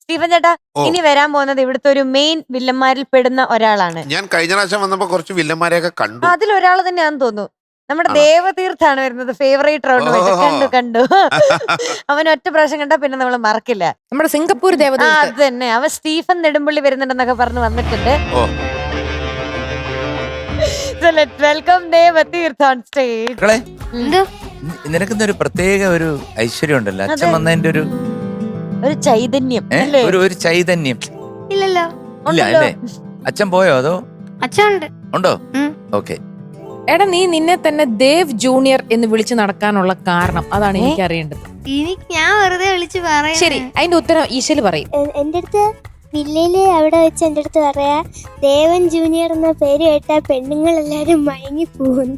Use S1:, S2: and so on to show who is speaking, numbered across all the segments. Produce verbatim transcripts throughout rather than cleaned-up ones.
S1: Stephen ചേട്ടാ, ഇനി വരാൻ പോകുന്നത് ഇവിടുത്തെ ഒരു മെയിൻ വില്ലന്മാരിൽ പെടുന്ന ഒരാളാണ്.
S2: ഞാൻ കഴിഞ്ഞ പ്രാവശ്യം വന്നപ്പോ കുറച്ച് വില്ലന്മാരെയൊക്കെ കണ്ടു.
S1: അതിലൊരാൾ തന്നെയാന്ന് തോന്നുന്നു. നമ്മുടെ ദേവതീർത്ഥാണ് വരുന്നത്. ഫേവറേറ്റ് റൗണ്ട് കണ്ടു കണ്ടു അവൻ ഒറ്റ പ്രാവശ്യം കണ്ടാ പിന്നെ നമ്മൾ മറക്കില്ല.
S3: നമ്മുടെ സിംഗപ്പൂർ ദേവത.
S1: അത് തന്നെ. അവൻ സ്റ്റീഫൻ നെടുമ്പള്ളി വരുന്നുണ്ടെന്നൊക്കെ പറഞ്ഞ് വന്നിട്ടുണ്ട്. Welcome Devatheertha on stage.
S4: നിനക്കുന്നൊരു പ്രത്യേക ഒരു ഐശ്വര്യം ഉണ്ടല്ലോ അച്ഛൻ വന്നതിന്റെ ഒരു
S1: ഒരു ചൈതന്യം
S4: ഒരു ഒരു ചൈതന്യം.
S5: ഇല്ലല്ലോ.
S4: ഇല്ല അല്ലേ? അച്ഛൻ പോയോ അതോ
S5: അച്ഛനുണ്ട്?
S4: ഉണ്ടോ? ഓക്കെ.
S3: എടാ, നീ നിന്നെ തന്നെ ദേവ് ജൂനിയർ എന്ന് വിളിച്ചു നടക്കാനുള്ള കാരണം അതാണ് എനിക്ക് അറിയേണ്ടത്.
S5: എനിക്ക് ഞാൻ വെറുതെ വിളിച്ച് പറയാം.
S3: ശരി, അതിന്റെ ഉത്തരം ഈശല് പറയും.
S6: എന്റെ അടുത്ത് വില്ലയില് അവിടെ വെച്ച് എന്റെ അടുത്ത് പറയാ ദേവൻ ജൂനിയർ എന്ന പേര് കേട്ടാ പെണ്ണുങ്ങൾ എല്ലാരും മയങ്ങി പോകുന്നു.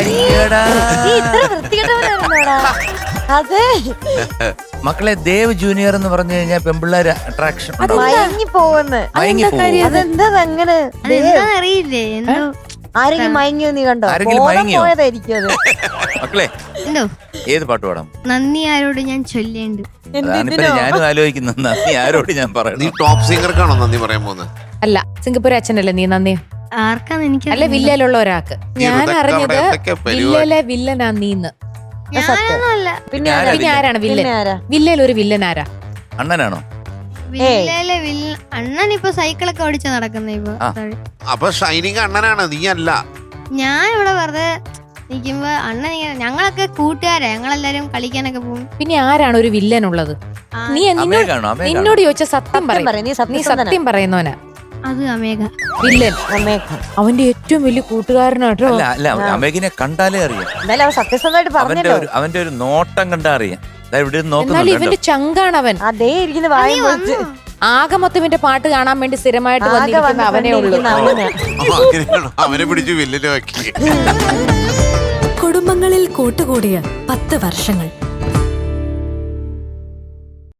S1: അതെ
S4: മക്കളെ, ദേവ് ജൂനിയർ എന്ന് പറഞ്ഞു കഴിഞ്ഞാൽ പെമ്പിള്ളേര് അട്രാക്ഷൻ
S1: മയങ്ങി പോകുന്നു. അതെന്താ അങ്ങനെ
S5: അറിയില്ലേ? എന്തോ
S1: ആരെങ്കിലും മയങ്ങിയോ നീ കണ്ടോ? പോയതായിരിക്കും അത്.
S4: മക്കളെ,
S5: എന്തോ
S4: ഏത് പാട്ട് പാടാം?
S5: നന്ദി ആരോട് ഞാൻ ചൊല്ലേണ്ടു.
S4: ഞാനും ആലോചിക്കുന്നു നന്ദി ആരോട് ഞാൻ പറയണം.
S2: നീ ടോപ്പ് സിംഗർക്കാണോ നന്ദി പറയാൻ പോകുന്നത്?
S3: അല്ല, സിംഗപ്പൂർ അച്ഛനല്ലേ നീ നന്ദി?
S5: ആർക്കാന്ന് എനിക്ക്
S3: അല്ല, വില്ലയിലുള്ള ഒരാൾക്ക്. ഞാൻ അറിഞ്ഞത് വില്ലയിലെ വില്ലനാ നീന്ന്.
S5: ഞാനൊന്നുമല്ല.
S1: പിന്നെ
S3: പിന്നെ ആരാണ് വില്ലൻ? വില്ലയിൽ ഒരു വില്ലൻ ആരാ?
S4: അണ്ണനാണോ?
S5: വില്ലയിലെ വില്ല അണ്ണൻ ഇപ്പൊ സൈക്കിളൊക്കെ ഓടിച്ചാ നടക്കുന്ന ഇപ്പൊ.
S2: അപ്പൊ ഷൈനിങ് അണ്ണനാണ്, നീ അല്ല.
S5: ഞാൻ ഇവിടെ വെറുതെ നിക്കുമ്പോ അണ്ണൻ ഇങ്ങനെ, ഞങ്ങളൊക്കെ കൂട്ടുകാരാ, ഞങ്ങളെല്ലാരും കളിക്കാനൊക്കെ പോകും.
S3: പിന്നെ ആരാണ് ഒരു വില്ലൻ ഉള്ളത്? നീ നിന്നോട് നിന്നോട് ചോദിച്ച സത്യം പറയും. നീ സത്യം പറയുന്നവനാ.
S5: അത് അമേഘ
S3: വില്ലൻ. അവന്റെ ഏറ്റവും വലിയ കൂട്ടുകാരനാട്ടോ.
S4: അല്ല അല്ല അമേഘിനെ കണ്ടാലേ അറിയാം.
S1: എന്നാലും അവൻ സത്യസന്ധമായിട്ട്
S4: അവന്റെ
S1: പറഞ്ഞല്ലോ.
S4: ഒരു അവന്റെ ഒരു നോട്ടം കണ്ടാ അറിയാം. ഇവിടെ
S3: എന്നാലും
S4: നോക്കുന്നുണ്ട്.
S3: ഇവന്റെ ചങ്കാണവൻ.
S1: അതേ ഇരിക്കുന്ന വായും പൊളിച്ച്
S3: ആകെ മൊത്തം ഇവന്റെ പാട്ട് കാണാൻ വേണ്ടി സ്ഥിരമായിട്ട് വന്നിരിക്കുന്ന അവനെ ഉള്ളൂ.
S2: അവനെ പിടിച്ച് വില്ലിനെ വെക്കി.
S7: കുടുംബങ്ങളിൽ കൂട്ടുകൂടിയ പത്ത് വർഷങ്ങൾ